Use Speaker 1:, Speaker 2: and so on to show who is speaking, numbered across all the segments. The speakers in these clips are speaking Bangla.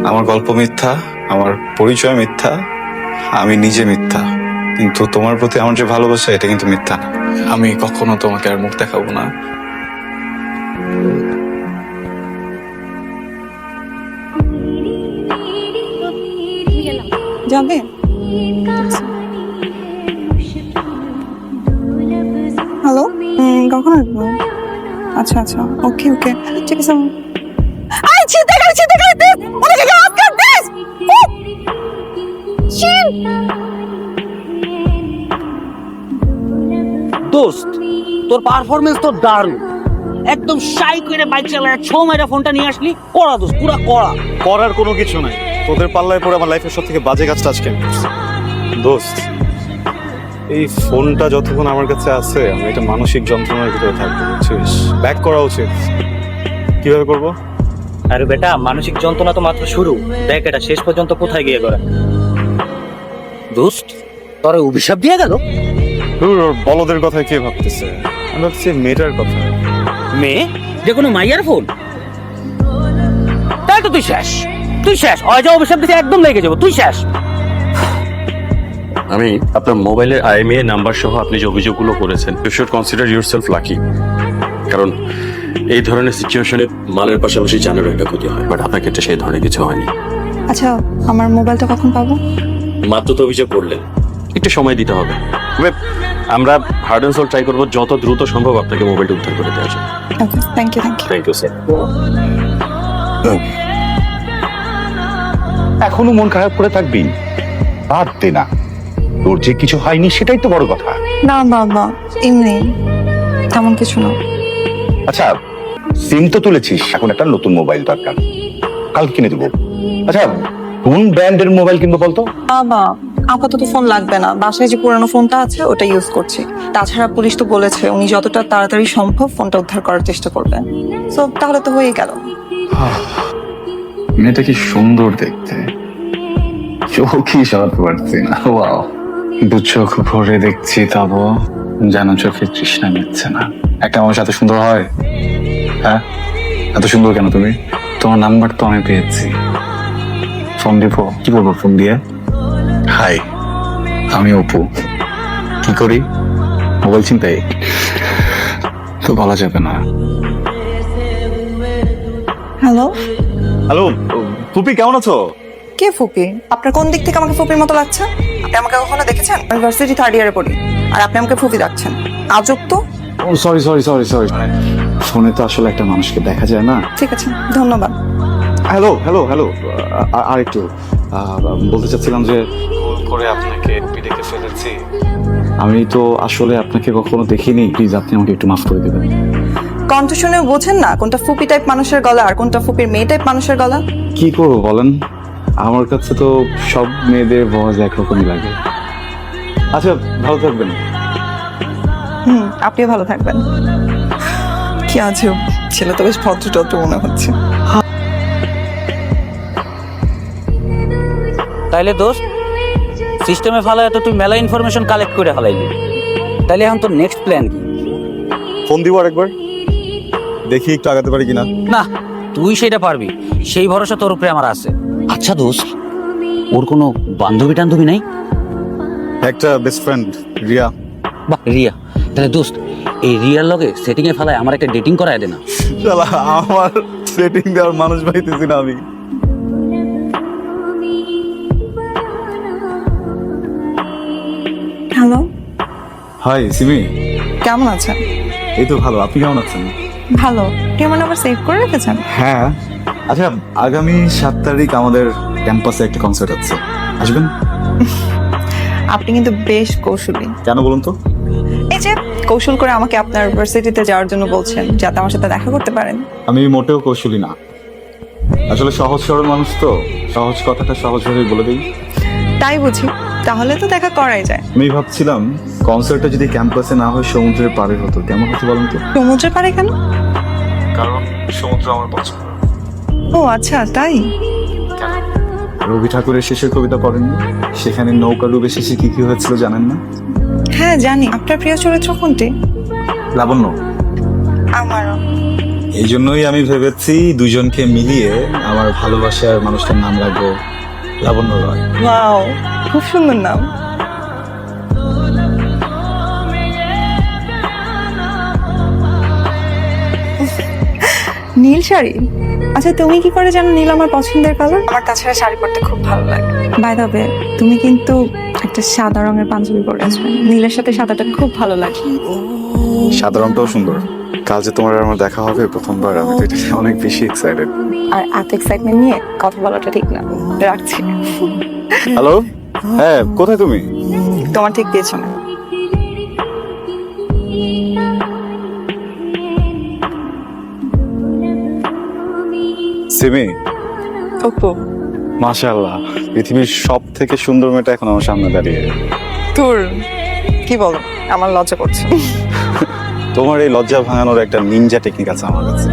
Speaker 1: আমার গল্প মিথ্যা, আমার পরিচয় মিথ্যা, আমি নিজে মিথ্যা, কিন্তু তোমার প্রতি আমার যে ভালোবাসা এটা কিন্তু মিথ্যা না। আমি কখনো তোমাকে আর মুখ দেখাবো না।
Speaker 2: যাবে? হ্যালো, কখন আসবো? আচ্ছা আচ্ছা, ওকে ওকে, ঠিক আছে। আই চিন্তা করে দিস ওনাকে গাছ কাট দিস।
Speaker 3: দোস্ত, তোর পারফরমেন্স তো দারুণ, একদম শাই করে বাইক চালায় ছো মেরে ফোনটা নিয়ে আসলি। কড়া দোস্ত, পুরা কড়া।
Speaker 1: করার কোনো কিছু নাই, তোদের পাল্লায় পড়ে আমার লাইফের সব থেকে বাজে কাজটা আজকে আমি করছি। দোস্ত, এই ফোনটা যতক্ষণ আমার কাছে আছে আমি এটা মানসিক যন্ত্রণার ভিতরে থাকবো, বুঝছিস? ব্যাক করা উচিত। কিভাবে করবো?
Speaker 3: আরে বেটা, মানসিক যন্ত্রণা তো মাত্র শুরু, দেখ এটা শেষ পর্যন্ত কোথায় গিয়ে করে। দোস্ত, তোরে অভিশাপ দিয়ে গেল।
Speaker 1: বলদের কথা কে ভাবতেছে? আমি ভাবছি মেয়েটার কথা।
Speaker 3: মেয়ে? যে কোনো মাইয়ার ফোন? তাই তো তুই শেষ, তুই শেষ। অয় যা অভিশাপ দিতে একদম লেগে যাবো, তুই শেষ।
Speaker 4: আমি আপনার মোবাইলের IMEI নাম্বার সহ আপনি যে অভিযোগগুলো করেছেন, you should consider yourself lucky. কারণ এই ধরনের সিচুয়েশনে মালের পাশাপাশি জানেরও একটা ক্ষতি হয়, বাট আপনার ক্ষেত্রে সেই ধরনের কিছু হয়নি।
Speaker 2: আচ্ছা, আমার মোবাইলটা কখন পাবো?
Speaker 4: মাত্র তো অভিযোগ করলেন, একটু সময় দিতে হবে। তবে আমরা হার্ড অ্যান্ড সোল ট্রাই করবো যত দ্রুত সম্ভব আপনাকে মোবাইলটা উদ্ধার করে দেওয়া যায়।
Speaker 2: Okay, thank you.
Speaker 4: Thank you sir.
Speaker 5: এখনো মন খারাপ করে থাকবি? বাদ দে না, তোর যে কিছু হয়নি সেটাই তো বড় কথা।
Speaker 2: না বাবা, এমনি তেমন কিছু না।
Speaker 5: আচ্ছা, সিম তো তুলেছিস, এখন একটা নতুন মোবাইল দরকার, কাল কিনে দেবো। আচ্ছা, কোন ব্র্যান্ডের মোবাইল কিনবো বলতো?
Speaker 2: বাবা, আপাতত ফোন লাগবে না, বাসায় যে পুরানো ফোনটা আছে ওটা ইউজ করছি। তাছাড়া পুলিশ তো বলেছে উনি যতটা তাড়াতাড়ি সম্ভব ফোনটা উদ্ধার করার চেষ্টা করবেন। সো তাহলে তো হয়ে গেল।
Speaker 1: মেয়েটা কি সুন্দর দেখতে, চোখই সরাতে পারছি না। ওয়াও, দু চোখ ভরে দেখছি তবু যেন চোখের তৃষ্ণা মিটছে না। একটা আমার সাথে সুন্দর হয়? হ্যাঁ, এত সুন্দর কেন তুমি? তোমার নাম্বার তো আমি পেয়েছি, ফোন দিব। কি বলবো ফোন দিয়ে? হাই, আমি অপু। কি করি? মোবাইল চিন্তাই তো বলা যাবে না।
Speaker 2: হ্যালো,
Speaker 1: হ্যালো ফুপি, কেমন আছো?
Speaker 2: কে ফুপি? আপনার কোন দিক থেকে আমাকে ফুপির মতো লাগছে? আপনি আমাকে কখনো দেখেছেন? ইউনিভার্সিটি থার্ড ইয়ারে পড়ি, আর আপনি আমাকে ফুপি ডাকছেন? আজব তো।
Speaker 1: সরি সরি সরি সরি, ফোনে তো আসলে একটা মানুষকে দেখা যায় না।
Speaker 2: ঠিক আছে, ধন্যবাদ।
Speaker 1: হ্যালো হ্যালো হ্যালো, আর একটু বলতে চাচ্ছিলাম যে ভুল করে আপনাকে ফুপি ডেকে ফেলেছি। আমি তো আসলে আপনাকে কখনো দেখিনি, প্লিজ আপনি আমাকে একটু মাফ করে দেবেন।
Speaker 2: কণ্ঠ শুনে বোঝেন না কোনটা ফুপি টাইপ মানুষের গলা আর কোনটা ফুপির মেয়ে টাইপ মানুষের গলা?
Speaker 1: কি করবো বলেন, আমার কাছে তো সব মেয়েদের ভয়েস একরকমই লাগে। আচ্ছা, ভালো থাকবেন।
Speaker 2: আপনিও ভালো থাকবেন। কি আছে, ছেলে তো বেশ ভদ্র টদ্র মনে হচ্ছে।
Speaker 3: তাইলে দোস্ত, সিস্টেমে ফালায় তো তুই মেলা ইনফরমেশন কালেক্ট করে ফেলাইলি। তাইলে এখন তোর নেক্সট প্ল্যান কি?
Speaker 1: ফোন দিব আরেকবার, দেখি একটু আগাতে পারি কিনা।
Speaker 3: না, তুই সেটা পারবি, সেই ভরসা তোর উপরে আমার আছে। আচ্ছা দোস্ত, ওর কোনো বান্ধবী টান্ধবী নাই?
Speaker 1: একটা বেস্ট ফ্রেন্ড, রিয়া।
Speaker 3: বাহ, রিয়া। তাহলে দোস্ত, এই রিয়ার লগে সেটিং এ ফেলায় আমার একটা ডেটিং করায় দে না।
Speaker 1: শালা, আমার সেটিং দেওয়ার মানুষ পাইতেছি না আমি।
Speaker 2: হ্যালো,
Speaker 1: হাই সিমি,
Speaker 2: কেমন আছেন?
Speaker 1: এই তো ভালো, আপনি কেমন আছেন?
Speaker 2: ভালো। আপনি আমার নাম্বার সেভ করে রেখেছেন?
Speaker 1: হ্যাঁ। আচ্ছা, আগামী 7 তারিখ আমাদের ক্যাম্পাসে একটা কনসার্ট আছে, আসবেন?
Speaker 2: আপনি কিন্তু বেশ কৌশলী।
Speaker 1: কেন বলুন তো?
Speaker 2: এই যে কৌশল করে আমাকে আপনার ইউনিভার্সিটিতে যাওয়ার জন্য বলছেন, যাতে আমার সাথে দেখা করতে পারেন।
Speaker 1: আমি মোটেও কৌশলী না, আসলে সহজ সরল মানুষ তো, সহজ কথাটা সহজভাবে বলে দিই।
Speaker 2: তাই বুঝি, তাহলে তো দেখা করাই যায়।
Speaker 1: আমি ভাবছিলাম কনসার্টটা যদি ক্যাম্পাসে না হয় সমুদ্রের পাড়ে হতো, কেমন হতো বলুন তো?
Speaker 2: সমুদ্রের পাড়ে কেন?
Speaker 1: কারণ সমুদ্র আমার পছন্দ।
Speaker 2: ও আচ্ছা, তাই?
Speaker 1: রবি ঠাকুরের শেষের কবিতা পড়েননি? সেখানে নৌকা ডুবে শেষে কি কি হয়েছিল জানেন না?
Speaker 2: হ্যাঁ জানি। আপনার প্রিয় চরিত্র কোনটি?
Speaker 1: লাবণ্য।
Speaker 2: আমারও।
Speaker 1: এই জন্যই আমি ভেবেছি দুজনকে মিলিয়ে আমার ভালোবাসার মানুষটার নাম রাখবো লাবণ্য রয়।
Speaker 2: ওয়াও, খুব সুন্দর নাম। নীল শাড়ি? আচ্ছা, তুমি কি করে জানো নীল আমার পছন্দের কালার? আমার তাছাড়া শাড়ি পরতে খুব ভালো লাগে। বাই দ্য ওয়ে, তুমি কিন্তু একটা সাদা রঙের পাঞ্জাবি পরেছো, নীলের সাথে সাদাটা খুব ভালো লাগে।
Speaker 1: সাদা রংটাও সুন্দর। কাল যে তোমার আর আমার দেখা হবে প্রথমবার, আমি তো এটা নিয়ে অনেক বেশি এক্সাইটেড।
Speaker 2: আর এত এক্সাইটমেন্ট নিয়ে কথা বলাটা ঠিক না, রাখছি।
Speaker 1: হ্যালো, হ্যাঁ কোথায় তুমি?
Speaker 2: তোমার ঠিক পেছনে।
Speaker 1: সিমি,
Speaker 2: ওপো,
Speaker 1: মাশাআল্লাহ, পৃথিবীর সব থেকে সুন্দর মেয়েটা এখন আমার সামনে দাঁড়িয়ে।
Speaker 2: তোর কি বলো, আমার লজ্জা করছে।
Speaker 1: তোমার এই লজ্জা ভাঙানোর একটা নিনজা টেকনিক আছে আমার কাছে।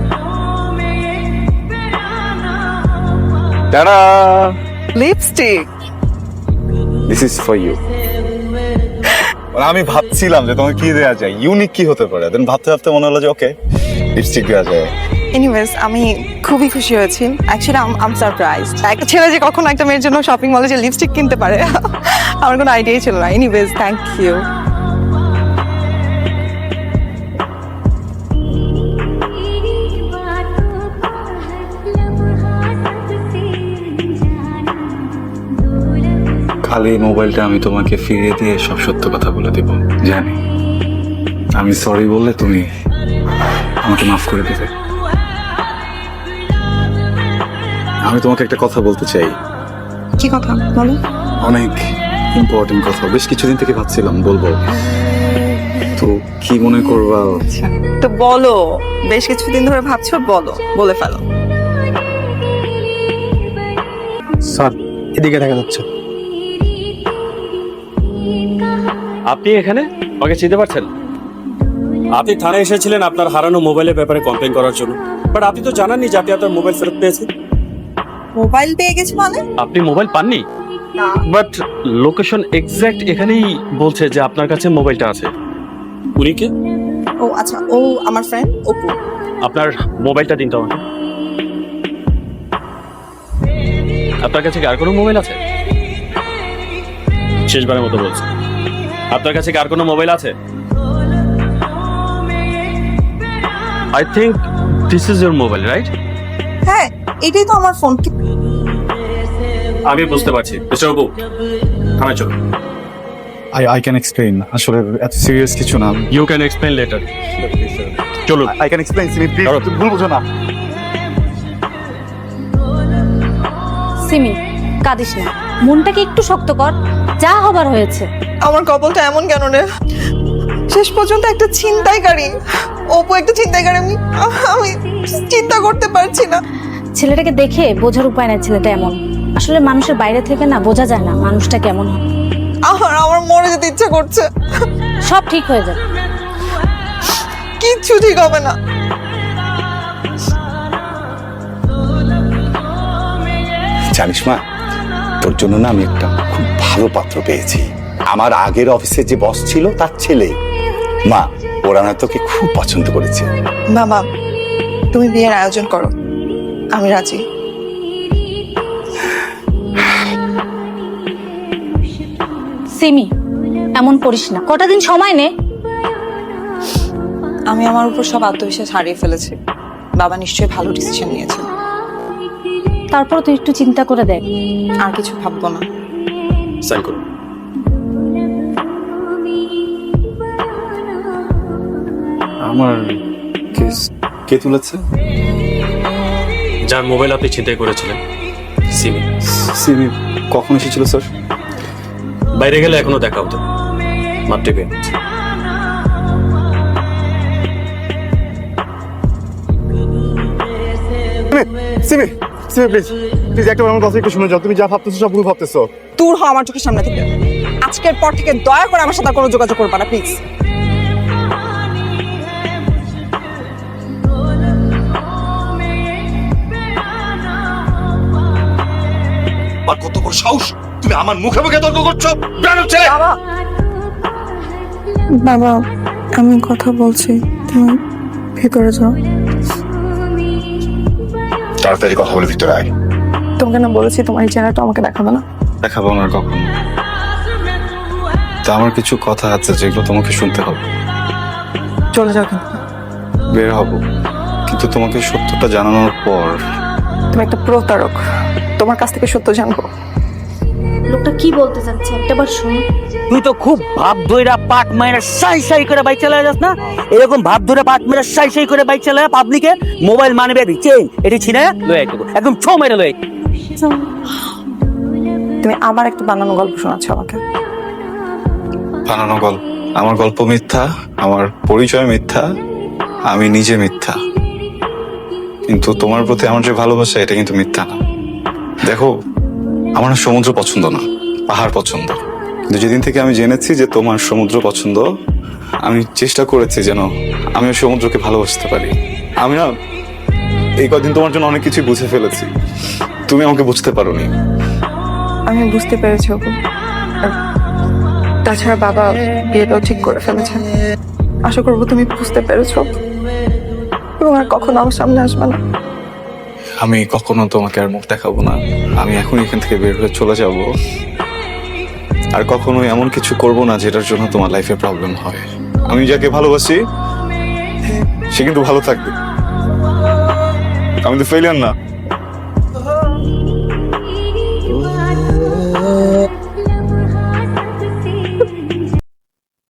Speaker 1: Tata,
Speaker 2: lipstick.
Speaker 1: This is for you. আমি ভাবছিলাম যে তোমাকে কি দেওয়া যায়, ইউনিক কি হতে পারে, দেন ভাবতে ভাবতে মনে হলো যে ওকে, লিপস্টিক দেওয়া যায়।
Speaker 2: এনিওয়েজ, আমি খুবই খুশি হয়েছি। Actually I'm surprised. একটা ছেলে যে কখনো একটা মেয়ের জন্য শপিং মলে যে লিপস্টিক কিনতে পারে, আমার কোনো আইডিয়াই ছিল না। Anyways, thank you.
Speaker 1: খালি মোবাইলটা আমি তোমাকে ফিরিয়ে দিয়ে সব সত্য কথা বলে দেব। জানি আমি সরি বললে তুমি আমাকে মাফ করে দেবে। আমি তোমাকে একটা কথা বলতে চাই,
Speaker 2: কি কথা বলো?
Speaker 1: অনেক ইম্পর্টেন্ট কথা। বেশ কিছুদিন থেকে ভাবছিলাম বলবো, তো কি মনে করবা?
Speaker 2: আচ্ছা, তো বলো। বেশ কিছুদিন ধরে ভাবছো, বলো, বলে ফেলো।
Speaker 1: স্যার, এদিকে দেখা যাচ্ছে।
Speaker 4: আপনি এখানে আমাকে চিনতে পারছেন? আপনি থানায় এসেছিলেন আপনার হারানো মোবাইলের ব্যাপারে কমপ্লেন করার জন্য, বাট আপনি তো জানাননি যে আপনি আপনার মোবাইল ফেরত পেয়েছেন।
Speaker 2: মোবাইল পেয়ে গেছি মানে?
Speaker 4: আপনি মোবাইল পাননি,
Speaker 2: না।
Speaker 4: বাট লোকেশন এক্স্যাক্ট এখানেই বলছে যে আপনার কাছে মোবাইলটা আছে। উনি কে?
Speaker 2: ও আচ্ছা, ও আমার ফ্রেন্ড অপু।
Speaker 4: আপনার মোবাইলটা দিন তো আমাকে। আপনার কাছে কি আর কোনো মোবাইল আছে? শেষবারের মতো বলছি, আপনার কাছে কি আর কোনো মোবাইল আছে? I think this is your mobile, right?
Speaker 2: হ্যাঁ, এটাই তো আমার ফোন।
Speaker 4: আমি বুঝতে পারছি। মিস্টার অপু, থানায় চলুন।
Speaker 1: I can explain. আসলে এত সিরিয়াস কিছু না।
Speaker 4: You can explain later. চলুন।
Speaker 1: I can explain. Simi please,
Speaker 4: ধরো।
Speaker 1: ভুল বুঝো না।
Speaker 6: সিমি, কাঁদিস না, মনটাকে একটু শক্ত কর, যা হবার হয়েছে।
Speaker 2: আমার কপালটা এমন কেন রে? শেষ পর্যন্ত একটা ছিনতাইকারী, অপু একটা ছিনতাইকারী। আমি চিন্তা করতে পারছি না।
Speaker 6: ছেলেটাকে দেখে বোঝার উপায় নাই ছেলেটা এমন। আসলে মানুষের বাইরে থেকে না বোঝা যায় না মানুষটা কেমন হয়।
Speaker 2: আমার মরে যেতে ইচ্ছা করছে।
Speaker 6: সব ঠিক হয়ে যাবে।
Speaker 2: কিচ্ছু ঠিক হবে না।
Speaker 5: জানিস মা, তোর জন্য না আমি একটা খুব ভালো পাত্র পেয়েছি। আমার আগের অফিসে যে বস ছিল তার ছেলে। মা, ওরা না তোকে খুব পছন্দ করেছে।
Speaker 2: বাবা, তুমি বিয়ের আয়োজন করো, আমি রাজি।
Speaker 6: সিমি, এমন করিস না, কটা দিন সময় নে।
Speaker 2: আমি আমার উপর সব আত্মবিশ্বাস হারিয়ে ফেলেছি। বাবা নিশ্চয়ই ভালো ডিসিশন নিয়েছে।
Speaker 6: তারপর তুই একটু চিন্তা করে দেখ।
Speaker 2: আর কিছু ভাববো না।
Speaker 4: সাইন করুন।
Speaker 1: আমার কেস কে তুলেছে?
Speaker 4: যার মোবাইল আপনি ছিনতাই করেছিলেন, সিমি।
Speaker 1: সিমি কখন এসেছিল স্যার?
Speaker 4: বাইরে গেলে এখনো দেখা হতো, মাত্র পেয়ে গেছে।
Speaker 7: সিমি, সিমি প্লিজ, প্লিজ একটা আমার কথা একটু শুনে যাও। তুমি যা ভাবতেছো সব ভুল ভাবতেছো।
Speaker 2: দূর হ আমার চোখের সামনে থেকে। আজকের পর থেকে দয়া করে আমার সাথে আর কোনো যোগাযোগ করবা না, প্লিজ।
Speaker 5: আর কত বড় সাহস, তুমি আমার মুখে মুখে তর্ক করছো? বেয়াদব ছেলে!
Speaker 2: বাবা, বাবা, আমি কথা বলছি, তুমি ভেতরে যাও।
Speaker 5: তাড়াতাড়ি কথা বলে ভিতরে আয়।
Speaker 2: তোমাকে না বলেছি তোমার এই চেহারাটা আমাকে দেখাবে না।
Speaker 1: দেখাবো না আর কখনো। তা আমার কিছু কথা আছে যেগুলো তোমাকে শুনতে হবে।
Speaker 2: চলে যাও কিন্তু।
Speaker 1: বের হব, কিন্তু তোমাকে সত্যটা জানানোর পর।
Speaker 2: তুমি একটা প্রতারক, তোমার কাছ থেকে সত্য জানবো।
Speaker 6: লোকটা কি বলতে চাচ্ছে একটাবার শুনো।
Speaker 3: তুই তো খুব ভাব ধইরা পাট মাইরা সাই সাই করে বাইক চালায় যাস না? এরকম ভাব ধরে পাট মাইরা সাই সাই করে বাইক চালায় পাবলিকে মোবাইল মানবে দিচ্ছে এটি ছিনে লয়ে আইতো একদম ছো মেরে লয়ে আইতো।
Speaker 2: তুমি আবার একটা বানানো গল্প শোনাচ্ছ আমাকে।
Speaker 1: বানানো গল্প? আমার গল্প মিথ্যা, আমার পরিচয় মিথ্যা, আমি নিজে মিথ্যা, কিন্তু তোমার প্রতি আমার যে ভালোবাসা এটা কিন্তু মিথ্যা না। দেখো, আমার না সমুদ্র পছন্দ না, পাহাড় পছন্দ। কিন্তু যেদিন থেকে আমি জেনেছি যে তোমার সমুদ্র পছন্দ, আমি চেষ্টা করেছি যেন আমিও সমুদ্রকে ভালোবাসতে পারি। আমি না এই কদিন তোমার জন্য অনেক কিছু বুঝে ফেলেছি, তুমি আমাকে বুঝতে পারোনি।
Speaker 2: আমি বুঝতে পেরেছি অপু। আর তাছাড়া বাবা বিয়েটাও ঠিক করে ফেলেছে। আশা করবো তুমি বুঝতে পেরেছো এবং আর কখনো আমার সামনে আসবে না।
Speaker 1: আমি কখনো তোমাকে আর মুখ দেখাবো না। আমি এখন এখান থেকে বের হয়ে চলে যাব, আর কখনো এমন কিছু করব না যেটার জন্য তোমার লাইফে প্রবলেম হয়। আমি যাকে ভালোবাসি সে কিন্তু ভালো থাকবে। আমি তো ফেলিয়ার না।